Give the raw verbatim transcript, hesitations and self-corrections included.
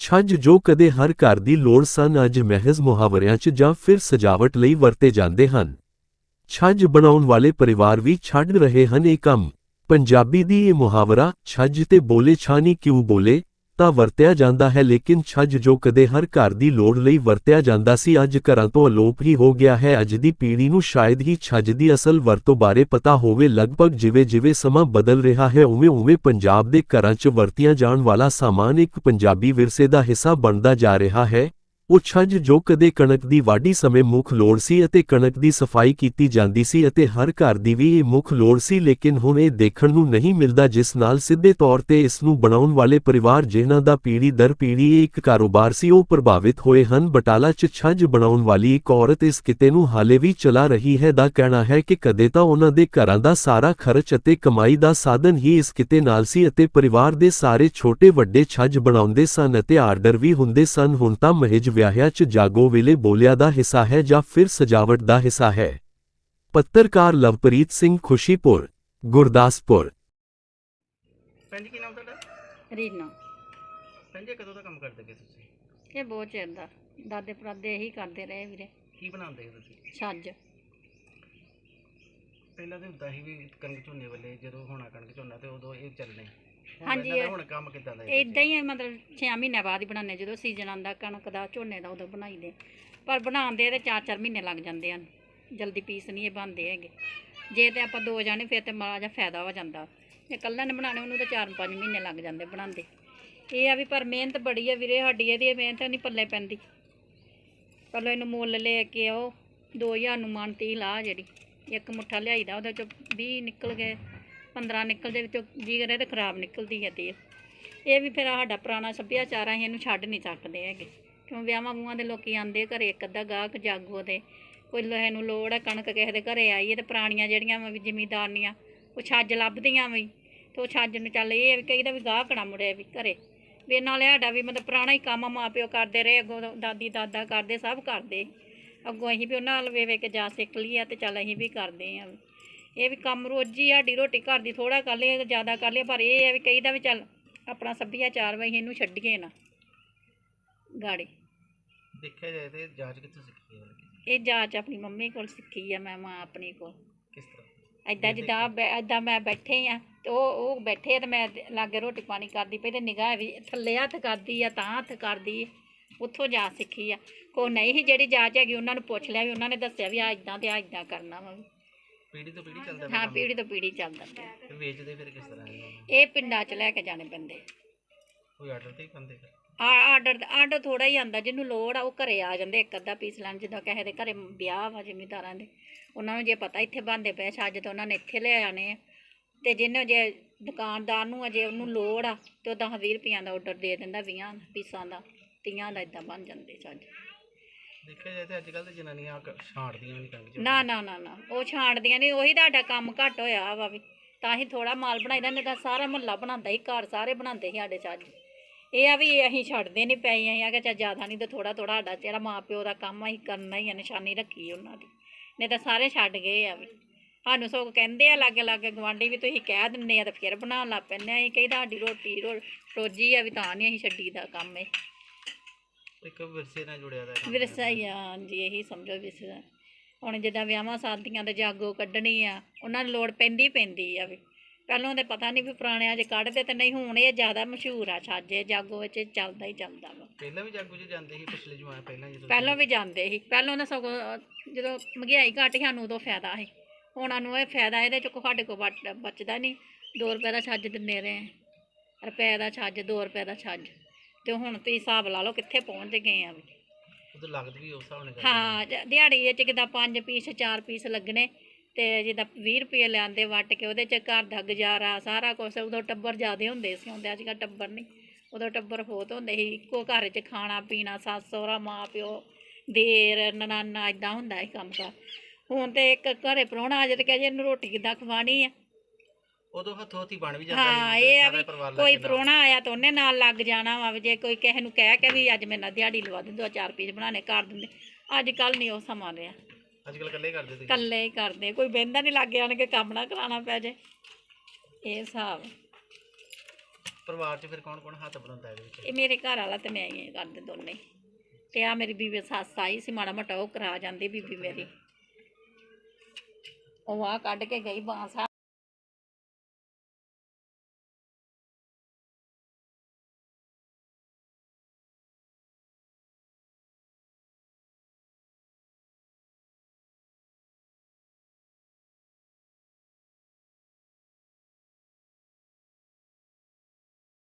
ਛੱਜ ਜੋ ਕਦੇ ਹਰ ਘਰ ਦੀ ਲੋੜ ਸਨ ਅੱਜ ਮਹਿਜ਼ ਮੁਹਾਵਰਿਆਂ 'ਚ ਜਾਂ ਫਿਰ ਸਜਾਵਟ ਲਈ ਵਰਤੇ ਜਾਂਦੇ ਹਨ। ਛੱਜ ਬਣਾਉਣ ਵਾਲੇ ਪਰਿਵਾਰ ਵੀ ਛੱਡ ਰਹੇ ਹਨ ਇਹ ਕੰਮ। ਪੰਜਾਬੀ ਦੀ ਇਹ ਮੁਹਾਵਰਾ ਛੱਜ ਤੇ ਬੋਲੇ ਛਾਨੀ ਕਿਉਂ ਬੋਲੇ ਤਾਂ ਵਰਤਿਆ ਜਾਂਦਾ ਹੈ, ਲੇਕਿਨ ਛੱਜ ਜੋ ਕਦੇ ਹਰ ਘਰ ਦੀ ਲੋੜ ਲਈ ਵਰਤਿਆ ਜਾਂਦਾ ਸੀ ਅੱਜ ਘਰਾਂ ਤੋਂ ਅਲੋਪ ਹੀ ਹੋ ਗਿਆ ਹੈ। ਅੱਜ ਦੀ ਪੀੜ੍ਹੀ ਨੂੰ ਸ਼ਾਇਦ ਹੀ ਛੱਜ ਦੀ ਅਸਲ ਵਰਤੋਂ ਬਾਰੇ ਪਤਾ ਹੋਵੇ। ਲਗਭਗ ਜਿਵੇਂ ਜਿਵੇਂ ਸਮਾਂ ਬਦਲ ਰਿਹਾ ਹੈ ਉਵੇਂ ਉਵੇਂ ਪੰਜਾਬ ਦੇ ਘਰਾਂ 'ਚ ਵਰਤਿਆ ਜਾਣ ਵਾਲਾ ਸਾਮਾਨ ਇੱਕ ਪੰਜਾਬੀ ਵਿਰਸੇ ਦਾ ਹਿੱਸਾ ਬਣਦਾ ਜਾ ਰਿਹਾ ਹੈ। ਉਹ ਛੱਜ ਜੋ ਕਦੇ ਕਣਕ ਦੀ ਵਾਢੀ ਸਮੇਂ ਮੁੱਖ ਲੋੜ ਸੀ ਅਤੇ ਕਣਕ ਦੀ ਸਫਾਈ ਕੀਤੀ ਜਾਂਦੀ ਸੀ ਅਤੇ ਹਰ ਘਰ ਦੀ ਵੀ ਇਹ ਮੁੱਖ ਲੋੜ ਸੀ, ਲੇਕਿਨ ਹੁਣ ਇਹ ਦੇਖਣ ਨੂੰ ਨਹੀਂ ਮਿਲਦਾ, ਜਿਸ ਨਾਲ ਸਿੱਧੇ ਤੌਰ ਤੇ ਇਸ ਨੂੰ ਬਣਾਉਣ ਵਾਲੇ ਪਰਿਵਾਰ ਜਿਨ੍ਹਾਂ ਦਾ ਪੀੜ੍ਹੀ ਦਰ ਪੀੜ੍ਹੀ ਇਹ ਇੱਕ ਕਾਰੋਬਾਰ ਸੀ ਉਹ ਪ੍ਰਭਾਵਿਤ ਹੋਏ ਹਨ। ਬਟਾਲਾ 'ਚ ਛੱਜ ਬਣਾਉਣ ਵਾਲੀ ਇੱਕ ਔਰਤ ਇਸ ਕਿੱਤੇ ਨੂੰ ਹਾਲੇ ਵੀ ਚਲਾ ਰਹੀ ਹੈ। ਦਾ ਕਹਿਣਾ ਹੈ ਕਿ ਕਦੇ ਤਾਂ ਉਹਨਾਂ ਦੇ ਘਰਾਂ ਦਾ ਸਾਰਾ ਖਰਚ ਅਤੇ ਕਮਾਈ ਦਾ ਸਾਧਨ ਹੀ ਇਸ ਕਿੱਤੇ ਨਾਲ ਸੀ ਅਤੇ ਪਰਿਵਾਰ ਦੇ ਸਾਰੇ ਛੋਟੇ ਵੱਡੇ ਛੱਜ ਬਣਾਉਂਦੇ ਸਨ ਅਤੇ ਆਰਡਰ ਵੀ ਹੁੰਦੇ ਸਨ। ਹੁਣ ਤਾਂ ਮਹਿਜ ਵਿਆਹਿਆਂ 'ਚ ਜਾਗੋ ਵੇਲੇ ਬੋਲਿਆ ਦਾ ਹਿੱਸਾ ਹੈ ਜਾਂ ਫਿਰ ਸਜਾਵਟ ਦਾ ਹਿੱਸਾ ਹੈ। ਪੱਤਰਕਾਰ ਲਵਪ੍ਰੀਤ ਸਿੰਘ, ਖੁਸ਼ੀਪੁਰ, ਗੁਰਦਾਸਪੁਰ। ਭੈਣ ਜੀ ਕੀ ਨਾਮ ਤੁਹਾਡਾ? ਰੀਨਾ। ਭੈਣ ਜੀ ਕਦੋਂ ਦਾ ਕੰਮ ਕਰਦੇ ਪਏ ਤੁਸੀਂ? ਇਹ ਬਹੁਤ ਚਿਰ ਦਾ, ਦਾਦੇ ਪੜਦਾਦੇ ਇਹੀ ਕਰਦੇ ਰਹੇ ਵੀਰੇ। ਕੀ ਬਣਾਉਂਦੇ ਹੋ ਤੁਸੀਂ? ਛੱਜ। ਪਹਿਲਾਂ ਤਾਂ ਹੁੰਦਾ ਸੀ ਵੀ ਕਣਕ ਝੋਨੇ ਵੇਲੇ ਜਦੋਂ ਹੋਣਾ ਕਣਕ ਝੋਨਾ ਤੇ ਉਦੋਂ ਇਹ ਚੱਲਣੇ। ਹਾਂਜੀ, ਹੁਣ ਕੰਮ ਕਿੱਦਾਂ ਦਾ? ਇਦਾਂ ਹੀ ਹੈ, ਮਤਲਬ ਛੇ ਮਹੀਨੇ ਬਾਅਦ ਹੀ ਬਣਾਉਂਦੇ, ਜਦੋਂ ਸੀਜ਼ਨ ਆਉਂਦਾ ਕਣਕ ਦਾ ਝੋਨੇ ਦਾ ਉਦੋਂ ਬਣਾਈਦੇ। ਪਰ ਬਣਾਉਂਦੇ ਤੇ ਚਾਰ ਚਾਰ ਮਹੀਨੇ ਲੱਗ ਜਾਂਦੇ ਹਨ, ਜਲਦੀ ਪੀਸ ਨਹੀਂ ਇਹ ਬਣਦੇ ਹੈਗੇ। ਜੇ ਤੇ ਆਪਾਂ ਦੋ ਜਾਣੇ ਫਿਰ ਤੇ ਮਾੜਾ ਜਿਹਾ ਫਾਇਦਾ ਹੋ ਜਾਂਦਾ, ਜੇ ਇਕੱਲੇ ਨੇ ਬਣਾਉਣੇ ਉਹਨੂੰ ਤਾਂ ਚਾਰ ਪੰਜ ਮਹੀਨੇ ਲੱਗ ਜਾਂਦੇ ਬਣਾਉਂਦੇ। ਇਹ ਆ ਵੀ ਪਰ ਮਿਹਨਤ ਬੜੀ ਆ ਵੀਰੇ ਸਾਡੀ, ਇਹਦੀ ਮਿਹਨਤ ਨਹੀਂ ਪੱਲੇ ਪੈਂਦੀ। ਪਹਿਲਾਂ ਇਹਨੂੰ ਮੁੱਲ ਲੈ ਕੇ ਆਓ, ਦੋ ਹਜ਼ਾਰ ਨੂੰ ਮਣ ਤੀਹ ਲਾ, ਜਿਹੜੀ ਇੱਕ ਮੁੱਠਾ ਲਿਆਈਦਾ ਉਹਦੇ 'ਚੋਂ ਵੀਹ ਨਿਕਲ ਗਏ, ਪੰਦਰਾਂ ਨਿਕਲਦੇ, ਵਿੱਚੋਂ ਜੀ ਕਰੇ ਤੇ ਖਰਾਬ ਨਿਕਲਦੀ ਹੈ ਤੇਲ। ਇਹ ਵੀ ਫਿਰ ਸਾਡਾ ਪੁਰਾਣਾ ਸੱਭਿਆਚਾਰ ਆ, ਅਸੀਂ ਇਹਨੂੰ ਛੱਡ ਨਹੀਂ ਸਕਦੇ ਹੈਗੇ, ਕਿਉਂ ਵਿਆਹਾਂ ਵੂਹਾਂ ਦੇ ਲੋਕੀ ਆਉਂਦੇ ਘਰੇ, ਇੱਕ ਅੱਧਾ ਗਾਹਕ ਜਾਗੋ ਦੇ ਕੋਈ ਲੋਹੇ ਨੂੰ ਲੋੜ ਹੈ, ਕਣਕ ਕਿਸੇ ਦੇ ਘਰੇ ਆਈ ਹੈ, ਤੇ ਪੁਰਾਣੀਆਂ ਜਿਹੜੀਆਂ ਵਾ ਵੀ ਜ਼ਿਮੀਂਦਾਰਨੀਆਂ ਉਹ ਛੱਜ ਲੱਭਦੀਆਂ ਵੀ, ਤੇ ਉਹ ਛੱਜ ਨੂੰ ਚੱਲ ਇਹ ਵੀ ਕਹੀਦਾ ਵੀ ਗਾਹਕ ਨਾ ਮੁੜੇ ਵੀ ਘਰੇ ਵੀ। ਨਾਲੇ ਸਾਡਾ ਵੀ ਮਤਲਬ ਪੁਰਾਣਾ ਹੀ ਕੰਮ ਮਾਂ ਪਿਓ ਕਰਦੇ ਰਹੇ, ਅੱਗੋਂ ਦਾਦੀ ਦਾਦਾ ਕਰਦੇ, ਸਭ ਕਰਦੇ, ਅੱਗੋਂ ਅਸੀਂ ਵੀ ਉਹਨਾਂ ਨਾਲ ਵੇ ਵੇ ਕੇ ਜਾ ਸਿੱਖ ਲਈ ਆ, ਤੇ ਚੱਲ ਅਸੀਂ ਵੀ ਕਰਦੇ ਹਾਂ। ਇਹ ਵੀ ਕੰਮ ਰੋਜ਼ੀ ਸਾਡੀ ਰੋਟੀ ਘਰ ਦੀ ਥੋੜ੍ਹਾ ਕਰ ਲਈਏ ਜ਼ਿਆਦਾ ਕਰ ਲਈਏ, ਪਰ ਇਹ ਹੈ ਵੀ ਕਹੀਦਾ ਵੀ ਚੱਲ ਆਪਣਾ ਸੱਭਿਆਚਾਰ ਵਾ ਇਹਨੂੰ ਛੱਡੀਏ ਨਾ ਗਾੜੀ। ਦੇਖਿਆ ਜਾਏ ਤੇ ਜਾਂਚ ਕਿੱਥੋਂ ਸਿੱਖੀ ਹੈ? ਇਹ ਜਾਂਚ ਆਪਣੀ ਮੰਮੀ ਕੋਲ ਸਿੱਖੀ ਆ, ਮੈਂ ਮਾਂ ਆਪਣੀ ਕੋਲ। ਕਿਸ ਤਰ੍ਹਾਂ? ਇੱਦਾਂ ਜਿੱਦਾਂ ਇੱਦਾਂ ਮੈਂ ਬੈਠੇ ਆ ਤੇ ਉਹ ਉਹ ਬੈਠੇ ਤੇ ਮੈਂ ਲਾਗੇ ਰੋਟੀ ਪਾਣੀ ਕਰਦੀ ਪਈ, ਤੇ ਨਿਗਾਹ ਵੀ ਥੱਲੇ ਹੱਥ ਕਰਦੀ ਆ, ਤਾਂ ਹੱਥ ਕਰਦੀ, ਉੱਥੋਂ ਜਾ ਸਿੱਖੀ ਆ। ਕੋਈ ਨਹੀਂ ਸੀ ਜਿਹੜੀ ਜਾਂਚ ਹੈਗੀ ਉਹਨਾਂ ਨੂੰ ਪੁੱਛ ਲਿਆ ਵੀ ਉਹਨਾਂ ਨੇ ਦੱਸਿਆ ਵੀ ਆ ਇੱਦਾਂ ਤੇ ਆ ਇੱਦਾਂ ਕਰਨਾ ਵਾ। ਪੀੜੀ ਤੋਂ ਪੀੜੀ ਚੱਲਦਾ? ਹਾਂ, ਪੀੜੀ ਤੋਂ ਪੀੜੀ ਚੱਲਦਾ ਪਿਆ। ਵੇਚਦੇ ਫਿਰ ਕਿਸ ਤਰ੍ਹਾਂ? ਇਹ ਪਿੰਡਾਂ 'ਚ ਲੈ ਕੇ ਜਾਣੇ ਪੈਂਦੇ। ਕੋਈ ਆਰਡਰ ਤੇ ਹੀ ਪਾਉਂਦੇ? ਆ ਆਰਡਰ ਆਰਡਰ ਥੋੜ੍ਹਾ ਹੀ ਆਉਂਦਾ, ਜਿਹਨੂੰ ਲੋੜ ਆ ਉਹ ਘਰੇ ਆ ਜਾਂਦੇ ਇੱਕ ਅੱਧਾ ਪੀਸ ਲੈਣ। ਜਿੱਦਾਂ ਕਿਸੇ ਦੇ ਘਰੇ ਵਿਆਹ ਵਾ ਜ਼ਿਮੀਂਦਾਰਾਂ ਦੇ, ਉਹਨਾਂ ਨੂੰ ਜੇ ਪਤਾ ਇੱਥੇ ਬਣਦੇ ਪਏ ਛੱਜ ਤਾਂ ਉਹਨਾਂ ਨੇ ਇੱਥੇ ਲੈ ਆਉਣੇ ਆ, ਅਤੇ ਜਿਹਨੂੰ ਜੇ ਦੁਕਾਨਦਾਰ ਨੂੰ ਅਜੇ ਉਹਨੂੰ ਲੋੜ ਆ ਤੇ ਉਹ ਦਸ ਵੀਹ ਰੁਪਈਆਂ ਦਾ ਆਰਡਰ ਦੇ ਦਿੰਦਾ, ਵੀਹਾਂ ਪੀਸਾਂ ਦਾ, ਤੀਹਾਂ ਦਾ, ਇੱਦਾਂ ਬਣ ਜਾਂਦੇ ਛੱਜ। ਦੇਖਿਆ ਜਾਏ ਤੇ ਅੱਜ ਕੱਲ੍ਹ ਤਾਂ ਜਨਾਨੀਆਂ ਛਾਂਟਦੀਆਂ ਵੀ ਨਹੀਂ ਕਣਕ। ਨਾ ਨਾ ਨਾ ਨਾ ਉਹ ਛਾਂਟਦੀਆਂ ਨਹੀਂ, ਉਹੀ ਤੁਹਾਡਾ ਕੰਮ ਘੱਟ ਹੋਇਆ ਵਾ ਵੀ, ਤਾਂ ਹੀ ਥੋੜ੍ਹਾ ਮਾਲ ਬਣਾਈਦਾ, ਨਹੀਂ ਤਾਂ ਸਾਰਾ ਮੁਹੱਲਾ ਬਣਾਉਂਦਾ ਸੀ, ਘਰ ਸਾਰੇ ਬਣਾਉਂਦੇ ਸੀ ਸਾਡੇ ਛੱਜ। ਇਹ ਆ ਵੀ ਅਸੀਂ ਛੱਡਦੇ ਨਹੀਂ ਪਏ, ਅਸੀਂ ਆ ਕਿ ਚੱਲ ਜ਼ਿਆਦਾ ਨਹੀਂ ਤਾਂ ਥੋੜ੍ਹਾ ਥੋੜ੍ਹਾ ਸਾਡਾ ਜਿਹੜਾ ਮਾਂ ਪਿਓ ਦਾ ਕੰਮ ਅਸੀਂ ਕਰਨਾ ਹੀ ਆ, ਨਿਸ਼ਾਨੀ ਰੱਖੀ ਉਹਨਾਂ ਦੀ, ਨਹੀਂ ਤਾਂ ਸਾਰੇ ਛੱਡ ਗਏ ਆ ਵੀ। ਸਾਨੂੰ ਸਗੋਂ ਕਹਿੰਦੇ ਆ ਲਾਗੇ ਲਾਗੇ ਗੁਆਂਢੀ ਵੀ ਤੁਸੀਂ ਕਹਿ ਦਿੰਦੇ ਆ ਤਾਂ ਫਿਰ ਬਣਾਉਣ ਲੱਗ ਪੈਂਦੇ ਆ। ਅਸੀਂ ਕਹਿੰਦਾ ਸਾਡੀ ਰੋਟੀ ਰੋ ਰੋਜੀ ਆ ਵੀ, ਤਾਂ ਨਹੀਂ ਅਸੀਂ ਛੱਡੀ ਦਾ ਕੰਮ ਇਹ। ਇੱਕ ਵਿਰਸੇ ਨਾਲ ਜੁੜਿਆ ਦਾ ਵਿਰਸਾ ਹੀ ਆ, ਹਾਂਜੀ, ਇਹੀ ਸਮਝੋ ਵਿਰਸਾ। ਹੁਣ ਜਿੱਦਾਂ ਵਿਆਹਾਂ ਸ਼ਾਦੀਆਂ ਦੇ ਜਾਗੋ ਕੱਢਣੀ ਆ, ਉਹਨਾਂ ਨੂੰ ਲੋੜ ਪੈਂਦੀ ਪੈਂਦੀ ਆ ਵੀ। ਪਹਿਲਾਂ ਤਾਂ ਪਤਾ ਨਹੀਂ ਵੀ ਪੁਰਾਣਿਆਂ 'ਚ ਕੱਢਦੇ ਤੇ ਨਹੀਂ, ਹੁਣ ਇਹ ਜ਼ਿਆਦਾ ਮਸ਼ਹੂਰ ਆ ਛੱਜ, ਜਾਗੋ ਵਿੱਚ ਚੱਲਦਾ ਹੀ ਚੱਲਦਾ ਵਾ। ਪਹਿਲਾਂ ਵੀ ਜਾਗੋ 'ਚ ਜਾਂਦੇ ਸੀ ਪਿਛਲੇ ਜਮਾਨੇ ਪਹਿਲਾਂ ਜਦੋਂ? ਪਹਿਲਾਂ ਵੀ ਜਾਂਦੇ ਸੀ, ਪਹਿਲਾਂ ਤਾਂ ਸਗੋਂ ਜਦੋਂ ਮਹਿੰਗਾਈ ਘੱਟ ਸੀ ਸਾਨੂੰ ਉਦੋਂ ਫਾਇਦਾ ਸੀ। ਹੁਣ ਸਾਨੂੰ ਇਹ ਫਾਇਦਾ ਇਹਦੇ 'ਚ ਸਾਡੇ ਕੋਲ ਬਚ ਬਚਦਾ ਨਹੀਂ। ਦੋ ਰੁਪਏ ਦਾ ਛੱਜ ਦਿੰਦੇ ਰਹੇ, ਰੁਪਏ ਦਾ ਛੱਜ, ਦੋ ਰੁਪਏ ਦਾ ਛੱਜ, ਅਤੇ ਹੁਣ ਤੁਸੀਂ ਹਿਸਾਬ ਲਾ ਲਓ ਕਿੱਥੇ ਪਹੁੰਚ ਗਏ ਆ ਵੀ। ਉਦੋਂ ਲੱਗਦਾ ਵੀ ਉਸ ਹਿਸਾਬ ਨਾਲ? ਹਾਂ, ਦਿਹਾੜੀ ਵਿੱਚ ਕਿੱਦਾਂ ਪੰਜ ਪੀਸ ਚਾਰ ਪੀਸ ਲੱਗਣੇ, ਅਤੇ ਜਿੱਦਾਂ ਵੀਹ ਰੁਪਏ ਲਿਆਂਦੇ ਵੱਟ ਕੇ, ਉਹਦੇ 'ਚ ਘਰ ਦਾ ਗੁਜ਼ਾਰਾ ਸਾਰਾ ਕੁਛ। ਉਦੋਂ ਟੱਬਰ ਜ਼ਿਆਦਾ ਹੁੰਦੇ ਸੀ, ਹੁੰਦੇ ਅੱਜ ਕੱਲ੍ਹ ਟੱਬਰ ਨਹੀਂ, ਉਦੋਂ ਟੱਬਰ ਬਹੁਤ ਹੁੰਦੇ ਸੀ, ਇੱਕੋ ਘਰ 'ਚ ਖਾਣਾ ਪੀਣਾ, ਸੱਸ ਸਹੁਰਾ ਮਾਂ ਪਿਓ ਦੇਰ ਨਨਾਨਾ, ਇੱਦਾਂ ਹੁੰਦਾ ਸੀ ਕੰਮ ਕਾਰ। ਹੁਣ ਤਾਂ ਇੱਕ ਘਰੇ ਪ੍ਰਾਹੁਣਾ ਆ ਜਾਏ ਤੇ ਕਹਿ ਜੇ ਇਹਨੂੰ ਰੋਟੀ ਕਿੱਦਾਂ ਖਵਾਉਣੀ ਆ। ਉਦੋਂ ਹੱਥੋਂ ਹੱਥੀ ਬਣ ਵੀ ਜਾਂਦਾ। ਹਾਂ, ਇਹ ਆ ਵੀ ਕੋਈ ਪ੍ਰਾਹੁਣਾ ਆਇਆ ਤਾਂ ਉਹਨੇ ਨਾਲ ਲੱਗ ਜਾਣਾ ਵਾ, ਜੇ ਕੋਈ ਕਿਸੇ ਨੂੰ ਕਹਿ ਕੇ ਵੀ ਅੱਜ ਮੇਰੇ ਨਾਲ ਦਿਹਾੜੀ ਲਵਾ ਦੇ, ਦੋ ਚਾਰ ਪੀਸ ਬਣਾਉਣੇ ਕਰ ਦਿੰਦੇ। ਅੱਜ ਕੱਲ੍ਹ ਨਹੀਂ ਉਹ ਸਮਾਂ ਰਿਹਾ, ਅੱਜ ਕੱਲ੍ਹ ਇਕੱਲੇ ਕਰਦੇ ਤੁਸੀਂ? ਇਕੱਲੇ ਹੀ ਕਰਦੇ, ਕੋਈ ਬਹਿੰਦਾ ਨਹੀਂ ਲਾਗੇ ਆਣ ਕੇ ਕੰਮ ਨਾ ਕਰਾਉਣਾ ਪੈ ਜੇ, ਇਹ ਹਿਸਾਬ। ਪਰਿਵਾਰ 'ਚ ਫਿਰ ਕੌਣ ਕੌਣ ਹੱਥ ਬਣਾਉਂਦਾ ਇਹਦੇ ਵਿੱਚ? ਇਹ ਮੇਰੇ ਘਰ ਵਾਲਾ ਤੇ ਮੈਂ ਹੀ ਕਰਦੇ ਦੋਨੇ। ਤੇ ਆ ਮੇਰੀ ਬੀਬੀ ਸੱਸ ਆਈ ਸੀ, ਮਾੜਾ ਮੋਟਾ ਉਹ ਕਰਾ ਜਾਂਦੀ ਬੀਬੀ ਮੇਰੀ। ਉਹ ਆ ਕੱਢ ਕੇ ਗਈ ਬਾਂਸ।